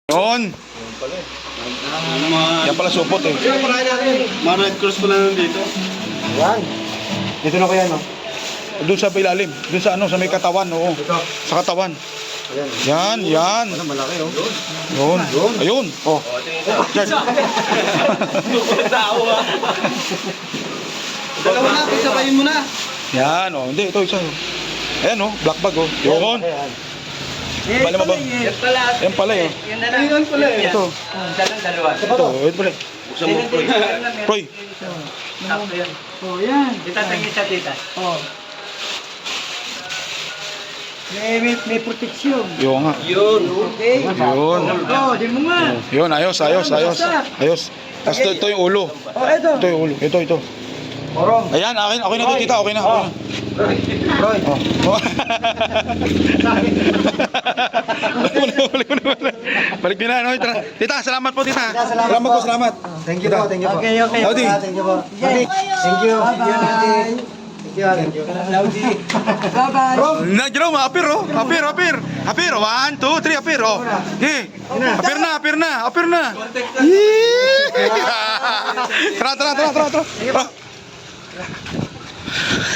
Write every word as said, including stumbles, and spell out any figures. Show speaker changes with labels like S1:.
S1: Yun. Yan pala supot eh.
S2: Mga red cross pala nandito.
S3: Yan. Dito na ko yan, no?
S1: Doon sa ilalim. Doon sa ano, sa may katawan. Oo. Sa katawan. Yan, yan.
S3: Ano, malaki, oh.
S1: Yun. Ayun. Oh. Yan.
S2: Dalawa na, pisabayin mo na.
S1: Yan, oh. Hindi, ito isa. Ayan, oh. Black bag, oh. Yun. Bala mo ba?
S4: Yan pala.
S1: Yan pala, eh.
S4: Yan na lang.
S2: Yan pala, eh.
S1: Ito.
S4: Dalang dalawa.
S1: Ito, ito pala.
S2: Buksan mo, Proy.
S1: Proy.
S4: Sakto yan.
S3: Oh, yan.
S4: Itatangin sa tita.
S3: Oh. May, may, may proteksyon.
S1: Yun nga.
S2: Yun.
S3: Okay.
S1: Yun.
S3: Oh, di mo nga.
S1: Yun, ayos, ayos, ayos. Ayos. Tapos ito, ito yung ulo.
S3: Oh, eto.
S1: Ito yung ulo. Ito, ito.
S3: Orong.
S1: Ayan, akin, okay na ito, tita. Okay na, okay na.
S3: Roy.
S1: Oh. Oh. Balik mo na, balik mo na, balik mo na. Balik mo na, ano, tita. Tita, salamat po, tita. Salamat po, salamat.
S3: Thank you po, thank you po.
S4: Okay, okay.
S1: Howdy.
S3: Thank you po. Thank you. Thank you. Thank you. Thank you.
S4: Bye-bye.
S1: Na, Jerome, apir, oh. Apir, apir. Apir, one, two, three, apir, oh. Okay. Apir na, apir na, apir na. Yee! Tara, tara, tara, tara, tara. Tara.